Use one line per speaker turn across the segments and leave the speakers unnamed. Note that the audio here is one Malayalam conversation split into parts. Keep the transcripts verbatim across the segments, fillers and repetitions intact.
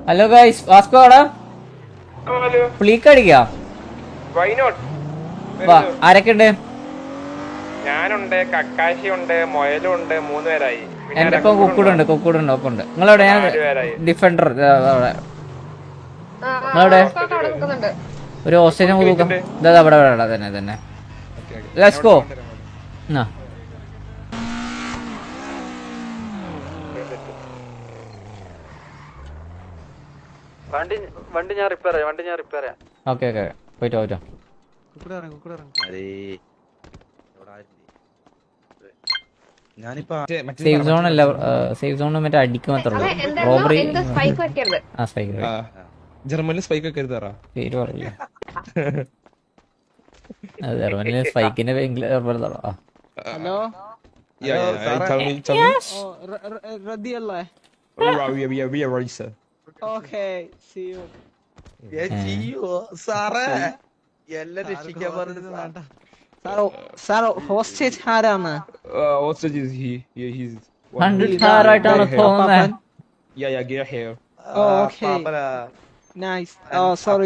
ഹലോ ഗൈസ്, വാസ്കോ ആടാ പ്ലീക്ക് അടിക്കാം. ആരൊക്കെ ഉണ്ട്?
ഞാനുണ്ട്, കക്കാശി ഉണ്ട്, മൊയലും ഉണ്ട്. മൂന്ന് പേരായി.
എന്റെ ഇപ്പം കുക്കൂടുണ്ട് കുക്കൂടുണ്ട് ഒപ്പം ഉണ്ട്. നിങ്ങളെവിടെ? ഞാൻ ഡിഫൻഡർ. നിങ്ങളെവിടെ? ഒരു ഓസ്ട്രേലിയൻ തൂക്കം ഇതാ അവിടെ അവിടെ തന്നെ തന്നെ. Let's go. ആ
വണ്ടി വണ്ടി ഞാൻ റിപ്പയർ ചെയ്യാം വണ്ടി ഞാൻ റിപ്പയർ ചെയ്യാം.
ഓക്കെ ഓക്കെ പോയിട്ടോ പോയിട്ടോ. സേഫ് സോൺ അല്ല, സേഫ് സോൺ മറ്റേ അടിക്കും മാത്രമേ ഉള്ളൂ. റോബറി ആ സ്പൈക്ക്
ജർമ്മനിൽ സ്പൈക്ക് ഒക്കെ എഴുതാറാ
പേര് പറയില്ല. ജർമ്മനിലെ സ്പൈക്കിന്റെ
ഹലോ ഹോസ്റ്റേജ് ആരാണ്?
ആയിട്ടാണ് തോന്നുന്നത്.
Nice. Oh, sorry.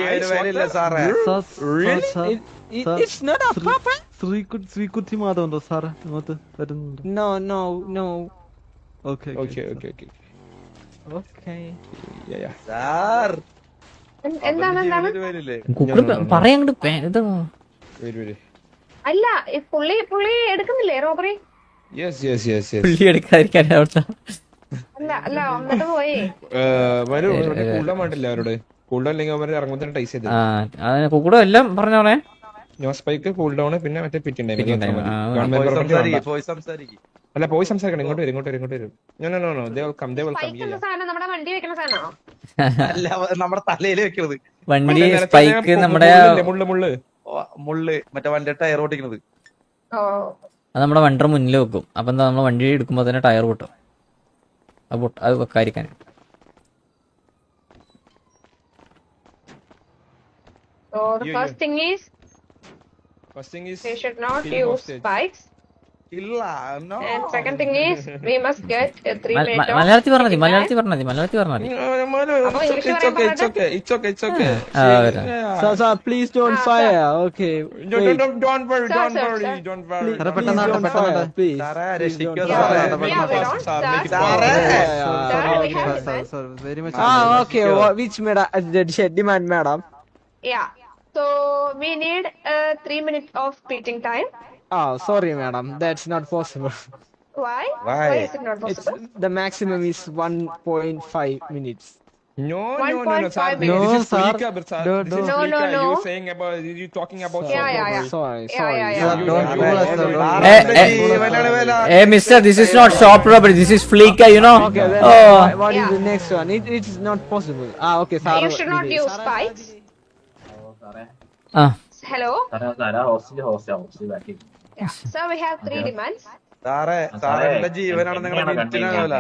It's not a papa.
Sreekutty മാധവണ്ടോ സാറ് ഇങ്ങോട്ട് വരുന്നുണ്ട്?
No, no, no.
Okay
okay okay okay
Okay.
Sir
എന്താണ് എന്താണ്
പറയങ്ങോട്ട്
അല്ല പുള്ളി പുള്ളി എടുക്കുന്നില്ലേ robbery?
Yes yes yes yes
പുള്ളി എടുക്കാതിരിക്കാൻ അവിടുത്തെ
അല്ല അല്ല എന്നിട്ട് പോയി
വരൂ. കൂടാൻ വേണ്ടില്ല അവരോട്. കൂൾഡൗൺ അല്ലെങ്കിൽ അവരെ ഇറങ്ങുന്ന ടൈസ് ചെയ്ത്
കുക്കൂടും എല്ലാം പറഞ്ഞോളെ.
നോ സ്പൈക്ക്, കൂൾ ഡൗൺ, പിന്നെ മറ്റേ പിറ്റിംഗ് ടൈം. അല്ല പോയി സംസാരിക്കണം. ഇങ്ങോട്ട് വരും ഇങ്ങോട്ട് വരും ഇങ്ങോട്ട് വരും. No no no they will come they will come.
Spike എന്ന സാധനം നമ്മുടെ വണ്ടി വെക്കുന്ന സാധനമാണോ?
അല്ല നമ്മുടെ തലയിൽ വെക്കുന്നത്
വണ്ടി സ്പൈക്ക് നമ്മുടെ
മുള്ള് മുള്ള്
മുള്ള് മറ്റേ വണ്ടി ടയർ ഓട്ടിക്കുന്നത്.
ഓ
അത് നമ്മുടെ വണ്ടിയുടെ മുന്നിൽ വെക്കും. അപ്പൊ എന്താ നമ്മൾ വണ്ടി എടുക്കുമ്പോ തന്നെ ടയർ പൊട്ടും. അത് പൊട്ട അത് വെക്കാതിരിക്കാൻ.
So the first thing is
First thing is
we should not
kill
use
hostage.
spikes.
ഇല്ല no.
And second thing is we must get a three minute of
മലയാളത്തിൽ പറഞ്ഞാൽ മതി മലയാളത്തിൽ പറഞ്ഞാൽ മതി മലയാളത്തിൽ പറഞ്ഞാൽ മതി.
It's okay it's okay it's okay it's okay.
ആ വരാം.
Sir, sir, please don't fire. Okay.
Don't
Wait.
don't don't worry
Sir,
don't
sir,
worry
sir.
don't worry.
Please
പെട്ടെന്ന്
don't
പെട്ടെന്ന്
fire, please.
സാറേ
Please don't
രക്ഷിക്കോ
Yeah,
fire.
സാറേ.
yeah, we don't
sir
start.
make it
സാറേ.
fast.
Sir, we have
sir
demands.
Sir very much.
Ah, okay. What, which madam? Demand, madam.
Yeah. So we need a three minute of beating time.
Oh, sorry, madam. That's not possible.
Why?
Why?
Why is it not
It's
possible?
the maximum is one point five minutes.
No no no no sir.
No,
This is
sir.
Fleeka, but sir.
No,
This is
no. No, no,
Fleeka.
no.
You saying about you talking about.
Yeah, yeah, yeah.
Sorry,
Yeah,
sorry.
yeah,
Sir,
yeah.
don't do us, sir. Don't
Eh,
do us.
eh. Hey mister, this is not shop robbery, this is Fleeka, you know.
Okay, then
Oh.
what, what is
Yeah.
the next one? It, it is not possible. Ah, okay. Sir,
You should not
did it.
use spikes.
Ah.
Hello? Yeah. So we have three demands.
സാറേ സാറേ എന്റെ ജീവനാണ് നിങ്ങളുടെ മിനിറ്റിനാവില്ല.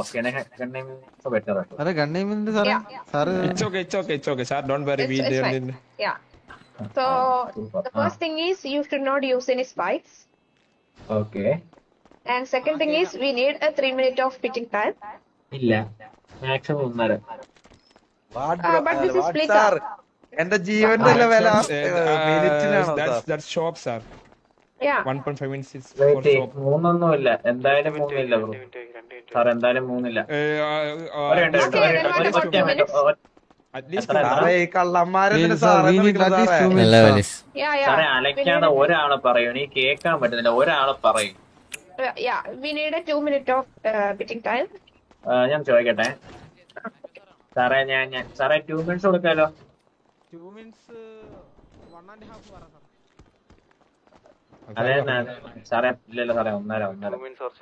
അരെ ഗണ്ണേമിന്റെ സാറേ
Yeah, yeah.
Sir
It's okay it's okay it's okay sir. Don't worry.
It's,
We
it's
there.
fine. Yeah. So the first thing is you should not use any spikes.
Okay.
And second thing is we need a three minute of pitching time.
ഇല്ല മാക്സിമം ഒന്നര.
Uh, but this is Fleeka.
സാർ എന്റെ ജീവന്റെ വില
Uh, that's that's shop sir.
Yeah.
one point five minutes is for
wait
shop.
മൂന്നൊന്നും ഇല്ല എന്തായാലും മൂന്നില്ല ബ്രോ. സാർ എന്തായാലും മൂന്നില്ല.
Uh, uh,
ഒരു മിനിറ്റ്,
Okay,
ഒരു
then
മിനിറ്റ്,
what
ഒരു
about two
മിനിറ്റ്,
minutes?
ഒ-
at least
എത്ര?
സാറേ ഈ കള്ളന്മാരെന്തിന്
Sir,
സാറേ
we need at least two
നല്ല
minutes.
വലിസ്.
Yeah,
സാറേ
yeah. We
അലക്കാതെ
need,
ഒരാള് പറയും, എനിക്ക് കേൾക്കാൻ പറ്റുന്നില്ല. ഒരാള് പറയും.
uh, yeah, we need a two minute of uh, pitching time.
ആ, ഞാൻ ചോദിക്കട്ടെ സാറേ, ഞാൻ ഞാൻ സാറേ ടു മിനിറ്റ്സ് കൊടുക്കാലോ?
Two minutes, one and a half പറ സാർ.
അതെ ഞാൻ- സാറേ ഇല്ലല്ലോ സാറേ, ഒന്നര ഒന്നര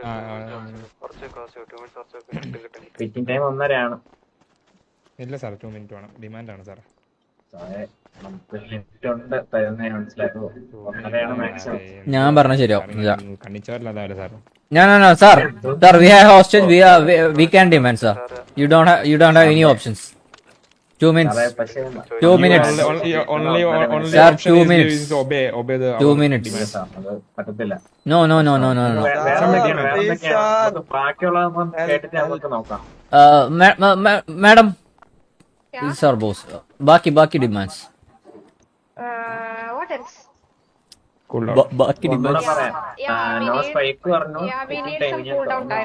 ഫിറ്റിംഗ് ടൈം ഒന്നരയാണ്.
ഇല്ല സാർ ടു മിനിറ്റ് വേണം. ഡിമാൻഡ് ആണ് സാർ.
സാറേ നമുക്ക് ലിമിറ്റ് ഉണ്ട്, തരുന്നേ മനസ്സിലാക്കുമോ? ഒന്നരയാണ് മാക്സിമം.
ഞാൻ പറഞ്ഞ ശരിയാവും.
കണ്ണിച്ചോരല്ലാതെ sir.
No no no sir. Sir, we have hostage, we are we, we can demand sir. You don't have you don't have any options. Two minutes.
സാറേ പക്ഷേ
Two minutes.
Only only only
Sir,
option
two
is
minutes.
is obey obey the
Two
our
minutes.
demands.
അത് പറ്റത്തില്ല.
No no no no no no.
വേ- വേറെ
Sir,
എന്തൊക്കെയാണ് വേറെ
please,
എന്തൊക്കെയാണ്
sir.
നമുക്ക് ബാക്കിയുള്ളതൊന്നും കേട്ടിട്ട് നമുക്ക് നോക്കാം.
Uh, ma- ma- ma- madam,
Yeah.
These are boss. Baki Baki demands.
Uh, what else?
Cool down.
Ba- Baki
ഒന്നുകൂടെ
demands.
പറയാം.
Yeah, we
no
need-
spike പറഞ്ഞു.
Yeah, we need some cool down time.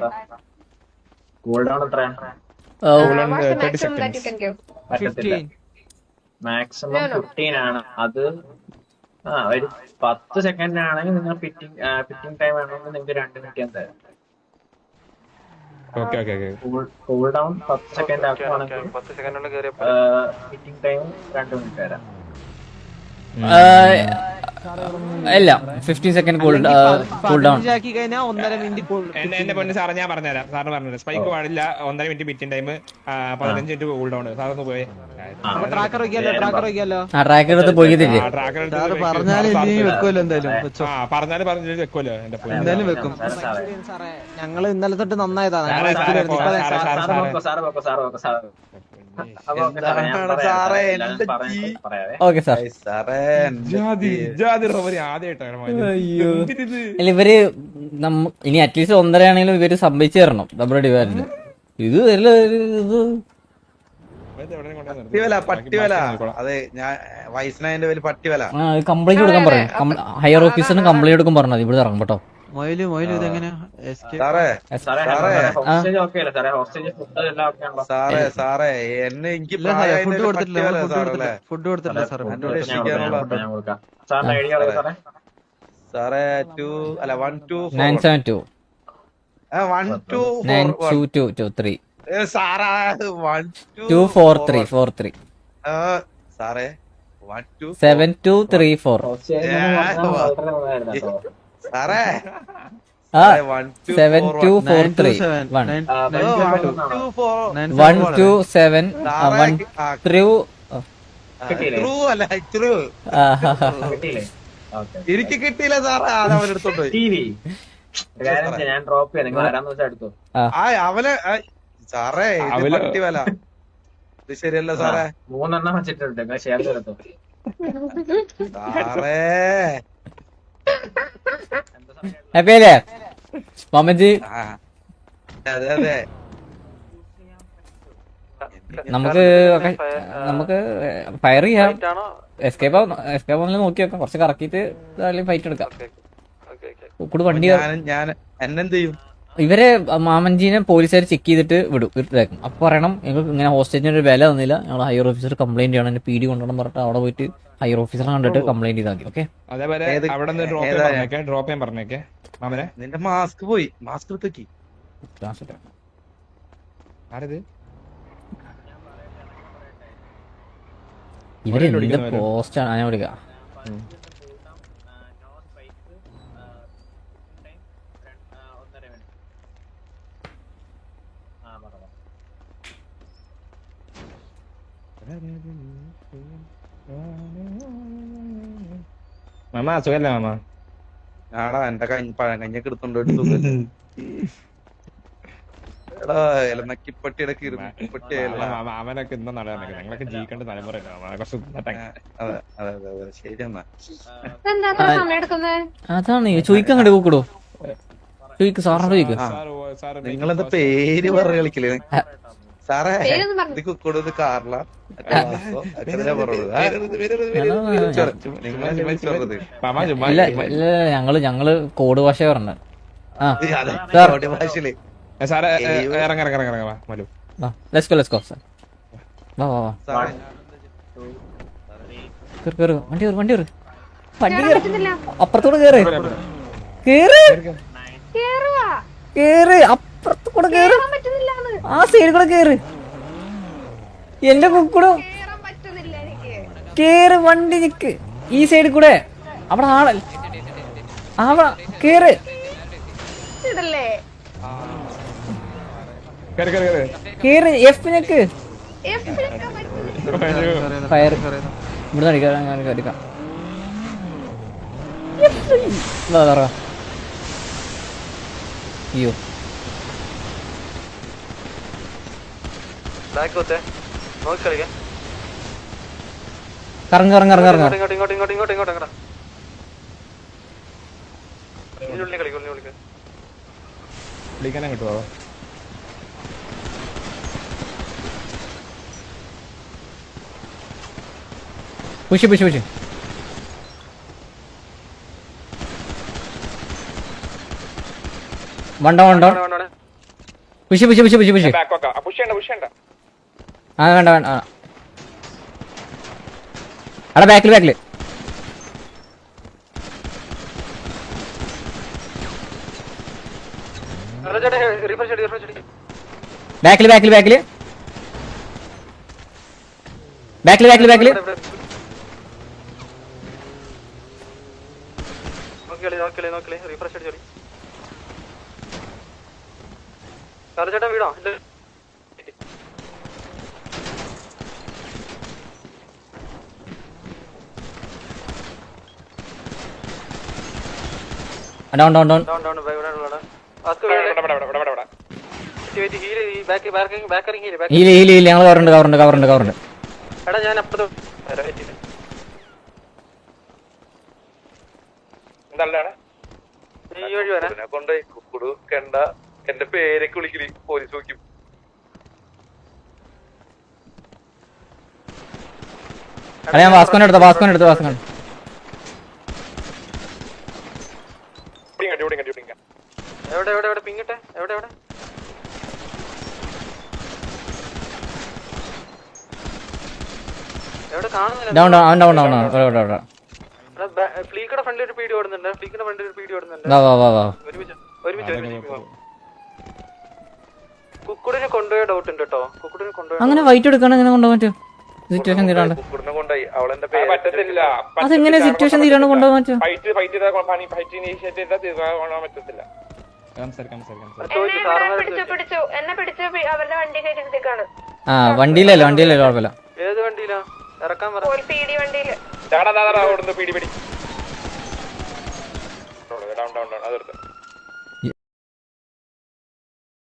Cool down എത്രയാണ്?
Uh,
Uh,
Cool on
what's the
thirty
maximum that you
seconds.
can give?
പറ്റത്തില്ല. Maximum
No, no.
ഫിഫ്റ്റീൻ ആണ്. അത് ആ ഒരു പത്ത് സെക്കൻഡ് ആണെങ്കിൽ നിങ്ങൾ ഫിറ്റിംഗ് ഫിറ്റിംഗ് ടൈം ആണെങ്കിൽ നിങ്ങൾക്ക് രണ്ട് മിനിറ്റ് ഞാൻ തരാം.
Okay, okay, okay.
Cool down പത്ത് സെക്കൻഡ് ആക്കുവാണെങ്കിൽ
പത്ത് സെക്കൻഡുള്ള കയറിയ
ഫിറ്റിംഗ് ടൈം രണ്ട് മിനിറ്റ് തരാം.
uh, ഇല്ല fifteen second cool cool down.
ആക്കി കഴിഞ്ഞാൽ ഒന്നര മിനിറ്റ്
എന്റെ എന്റെ പൊന്ന് സാറ് ഞാൻ പറഞ്ഞുതരാം. സാറിന് പറഞ്ഞുതരാം. സ്പൈക്ക് പാടില്ല, ഒന്നര മിനിറ്റ് ബിറ്റിംഗ് ടൈം, പതിനഞ്ച് മിനിറ്റ് കൂൾ ഡൗൺ. സാറൊന്ന് പോയി
ട്രാക്കർ വയ്ക്കാലോ ട്രാക്കർ വയ്ക്കാലോ
ആ ട്രാക്ക് എടുത്ത് പോയിക്കില്ലേ?
ട്രാക്കർ
പറഞ്ഞാല് ഇനി വെക്കുമല്ലോ എന്തായാലും വെച്ചോ.
ആ പറഞ്ഞാല് പറഞ്ഞു വെക്കുമല്ലോ എന്റെ പൊന്ന്.
എന്തായാലും വെക്കും.
സാറേ
ഞങ്ങള് ഇന്നലെ തൊട്ട് നന്നായതാ.
സാറേ, സാറേ, പോ, സാറേ, സാറേ,
സാറ്
സാറേ.
വെക്കോ സാറ് വെക്കോ സാറ് വെക്കോ സാറ് അപ്പൊ ഓക്കെ സാറേ ഞാൻ
എന്താണ്
പറയാം.
സാറേ
എല്ലാം
എന്റെ
പറയാം,
ജീ
പറയാവേ.
Okay sir.
സാറേ
ജാതി ജാതി റോബറി ആദ്യമായിട്ടാണ്
അയ്യോ. അല്ല ഇവര് നമ്മ ഇനി അറ്റ്ലീസ്റ്റ് ഒന്നര ആണെങ്കിലും ഇവര് സംഭവിച്ചു തരണം ഡബിൾ ഡിവാൻഡ്. ഇത് വല്ല ഇത്
പട്ടിവല പട്ടിവല അതെ ഞാൻ വയസ്സനായതിന്റെ പേര് പട്ടിവല.
കംപ്ലൈന്റ് കൊടുക്കാൻ പറയും. ഹയർ ഓഫീസറിന് കംപ്ലൈന്റ് കൊടുക്കാൻ പറഞ്ഞത് ഇവിടെ ഇറങ്ങും കേട്ടോ.
മൊയില് മൊയില് ഇതെങ്ങനെയാ escape?
സാറേ
സാറേ
സാറേ.
ഹോസ്റ്റേജ് ഓക്കെ അല്ലേ സാറേ? ഹോസ്റ്റേജ് ഫുഡ് എല്ലാം ഓക്കെ ആണല്ലോ?
സാറേ സാറേ എന്നെ എനിക്ക്
ഇല്ല സാറേ ഫുഡ്
പ്രായമായതിന്റെ
കൊടുത്തിട്ടില്ല
പട്ടിവല
ഫുഡ്
സാറല്ലേ.
കൊടുത്തിട്ടില്ല ഫുഡ് കൊടുത്തിട്ടില്ല സാറേ
ഫുഡ്
ഫുഡ്
ഞാൻ കൊടുക്കാം,
രക്ഷിക്കാനുള്ള-
ഞാൻ കൊടുക്കാം. സാറിന്റെ ഐഡിയ അറിയാം സാറേ?
സാറേ ടു അല്ല one two
nine seven two
one two
nine two two two three
സാറാ one
two four three four three
സാറേ one two
seven two three four.
Hostage എന്ന് പറഞ്ഞാൽ വളരെ നന്നായിരുന്നു കേട്ടോ.
സാറേ
ആ
one two
seven two four
nine two
three
seven,
one
nine-
ആ,
one two four
nine
one
seven
two seven one three.
കിട്ടിയില്ലേ?
ട്രൂ അല്ല ട്രൂ
കിട്ടിയില്ലേ? ഓക്കെ.
എനിക്ക് കിട്ടിയില്ല സാറേ അത് അവൻ എടുത്തോണ്ട് പോയി.
ടി വി ഒരു കാര്യം ചെയ്യാം, ഞാൻ ഡ്രോപ്പ് ചെയ്യാം, നിങ്ങൾ വരാന്ന് വെച്ചാൽ എടുത്തു.
ആ അവന് ആ, സാറേ ഇത്
അവല്-
പട്ടിവല ഇത് ശരിയല്ല സാറേ.
മൂന്നെണ്ണം വെച്ചിട്ടുണ്ട്, നിങ്ങൾ ഷെയർ എടുത്തു.
സാറേ
ഹാപ്പി അല്ലേ മാമജി?
ആ, അതെ അതെ
നമുക്ക് ഒക്കെ- നമുക്ക് ഫയർ ചെയ്യാം.
ആണോ?
എസ്കേപ്പ് എസ്കേപ്പ് ആണെങ്കിലും നോക്കി വെക്കാം. കുറച്ച് കറക്കിയിട്ട് ഫൈറ്റ് എടുക്കാം. കൂടെ വണ്ടി
ഞാൻ ഞാൻ എന്നെന്ത് ചെയ്യും?
ഇവരെ മാമൻജീനെ പോലീസുകാർ ചെക്ക് ചെയ്തിട്ട് വിടും ഇതാക്കും. അപ്പൊ പറയണം ഞങ്ങൾക്ക് ഇങ്ങനെ ഹോസ്റ്റേജിന് ഒരു വില തന്നില്ല, ഞങ്ങൾ ഹയർ ഓഫീസർ കംപ്ലൈന്റ് ചെയ്യണം, എന്റെ പി ഡി കൊണ്ടുവരണം പറഞ്ഞിട്ട് അവിടെ പോയിട്ട് ഹയർ ഓഫീസറെ കണ്ടിട്ട് കംപ്ലൈന്റ് ചെയ്താൽ മതി. ഓക്കെ
അതേപോലെ
ഏത്-
അവിടെ നിന്ന് ഡ്രോപ്പ് ചെയ്യാൻ
ഏതാ?
പറഞ്ഞേക്കെ ഡ്രോപ്പ് ചെയ്യാൻ പറഞ്ഞേക്കെ മാമനെ.
നിന്റെ മാസ്ക് പോയി, മാസ്ക് എടുത്തേക്ക്.
ആരത്?
ഇവരെന്ത് പോസ്റ്റാണ് ഞാൻ വിളിക്കാം.
മാമ സുഖല്ലേ മാമ?
ആടാ എന്റെ കഞ്ഞി പഴങ്കഞ്ഞൊക്കെ എടുത്തോണ്ട് ഒരു സുഖമില്ല. എടാ ഇലനക്കിപ്പട്ടിയുടെ കിരുപ്പട്ടിയല്ല.
മാമ അവനൊക്കെ ഇന്നും നടക്കാൻ ഞങ്ങളൊക്കെ ജീവിക്കേണ്ട തലമുറയല്ലേ മാമ? കുറച്ച്
അതെ അതെ അതെ അതെ ശരി എന്നാ.
എന്താ അത്ര സമയം എടുക്കുന്നത്?
അതാണ് ചോദിക്കാൻ കണ്ടു കൂടോ ചോദിക്കും സാറിനോട് ചോദിക്കും.
നിങ്ങളെന്താ പേര് പറഞ്ഞ് കളിക്കല് സാറേ?
പേരൊന്നും പറഞ്ഞു.
ഇത് കൊടുത്ത് കാറില
ഇല്ല ഇല്ല ഞങ്ങള് ഞങ്ങള് കോഡ് ഭാഷ പറഞ്ഞത്. ആ
ഭാഷയില്
സാറേ ഇറങ്ങ ഇറങ്ങ ഇറങ്ങ ഇറങ്ങ Malu.
Let's go let's go sir. വാ വാ വാ
സാറേ
കേറ് കേറ് വണ്ടി കേറ് വണ്ടി കേറ് വണ്ടി
കേറാൻ
കേറ്
പറ്റുന്നില്ല.
അപ്പുറത്തോട് കേറ് കേറ്
കേറുവാ.
കേറ് അപ്പുറത്തോടെ കേറ്
കേറാൻ പറ്റുന്നില്ലാന്ന്.
ആ സൈഡിൽ കൂടെ കേറ് എന്റെ കുക്കൂടെ
കേറാൻ പറ്റുന്നില്ല എനിക്ക്.
കേറ് വണ്ടി നിക്ക് ഈ സൈഡിൽ കൂടെ അവിടെ ആളല്ല അവിടെ കേറ്
ഇതല്ലേ
കേറ് കേറ് കേറ്.
കേറ് എഫ് നിക്ക്
എഫ് എടുക്കാൻ പറ്റുന്നില്ല.
ഫയർ ഇവിടെ അടിക്കാം അടിക്കാം അയ്യോ
ബാക്ക് കൊത്തേ നോക്കി കളിക്കാം.
കറങ്ങ കറങ്ങ കറങ്ങ കറങ്ങ
ഇങ്ങോട്ട് ഇങ്ങോട്ട് ഇങ്ങോട്ട് ഇങ്ങോട്ട് ഇങ്ങോട്ട് ഇങ്ങോട്ട് ഉള്ളി കളിക്കും ഉള്ളി കളിക്കും.
വിളിക്കാനും കിട്ടുമോ?
പുഷ് പുഷ് പുഷ് വണ്ടോ വണ്ടോ push push push push push
back വെക്കാം പുഷ് ചെയ്യണ്ട പുഷ് ചെയ്യണ്ട
ആ വേണ്ട വേണ്ട ആ അവിടെ ബാക്കിൽ ബാക്കിൽ ബാക്കിൽ ബാക്കിൽ ബാക്കിൽ ബാക്കിൽ ബാക്കിൽ ബാക്കിൽ
നോക്കിയോളി നോക്കിയോളി നോക്കിയോളി റീഫ്രഷ് അടിച്ചോളി ചേട്ടാ വീടോ
down down down
down down ഇവിടെ ഉള്ളടാ ആസ്ക്
ഇവിടെ ഇവിടെ ഇവിടെ ഇവിടെ ഇവിടെ
വെയിറ്റ് ഹീൽ ഈ ബാക്ക് ബാക്കിംഗ് ബാക്കറിംഗ് heal back
heal heal heal ഞങ്ങൾ കവറുണ്ട് കവറുണ്ട് കവറുണ്ട് കവറുണ്ട്
എടാ ഞാൻ അപ്പുറത്ത്
എന്താണ്
ഈ വഴി വരാം
കൊണ്ടുപോയി കുക്കുടു കണ്ട എന്റെ പേരൊക്കെ വിളിക്കല് പോലീസ് നോക്കും.
അല്ല ഞാൻ വാസ്കോനെ എടുത്ത വാസ്കോനെ എടുത്ത വാസ്കോൻ
എവിടെ എവിടെ എവിടെ പിങ്ങിട്ടെ എവിടെ എവിടെ എവിടെ കാണുന്നില്ല
ഡൗൺ ഡൗൺ അവൻ ഡൗൺ ഡൗൺ ഇവിടെ ഇവിടെ
ഫ്ലീക്കയുടെ ഫ്രണ്ടിൽ ഒരു പീടി ഓടുന്നുണ്ട് ഫ്ലീക്കിന്റെ ഫ്രണ്ടിൽ ഒരു പീടി ഓടുന്നുണ്ട്
വാ വാ വാ വാ
ഒരുമിച്ച് ഒരുമിച്ച് ഒരുമിച്ച് കുക്കുടിനെ കൊണ്ടുപോയ ഡൗട്ട് ഉണ്ട് കേട്ടോ കുക്കുടിനെ കൊണ്ടുപോയ
അങ്ങനെ വൈറ്റ് എടുക്കണം എങ്ങനെ കൊണ്ടുപോകാൻ പറ്റും സിറ്റുവേഷൻ തീരാണ്ട്
കുക്കുടിനെ കൊണ്ടുപോയി അവളെന്റെ പേര്
പറ്റത്തില്ല
അതെങ്ങനെ സിറ്റുവേഷൻ തീരാണ്ട് കൊണ്ടുപോകാൻ പറ്റും
ഫൈറ്റ് ഫൈറ്റ് ചെയ്താൽ പണി ഫൈറ്റ് ഇനീഷ്യേറ്റ് ചെയ്താൽ തീർക്കാൻ പറ്റത്തില്ല.
എന്നെ പിടിച്ചു പിടിച്ചു എന്നെ പിടിച്ച് പി- അവരുടെ വണ്ടി കയറ്റിക്കാണ്
ആ വണ്ടിയിലല്ലോ വണ്ടിയിലല്ലോ കുഴപ്പമില്ല
ഏത് വണ്ടിയിലാ ഇറക്കാൻ പറ
ഒരു പി ഡി വണ്ടിയില്
ചാടാ ഓടുന്നു പിടി പിടി ഡൗൺ ഡൗൺ ഡൗൺ അതെടുത്ത്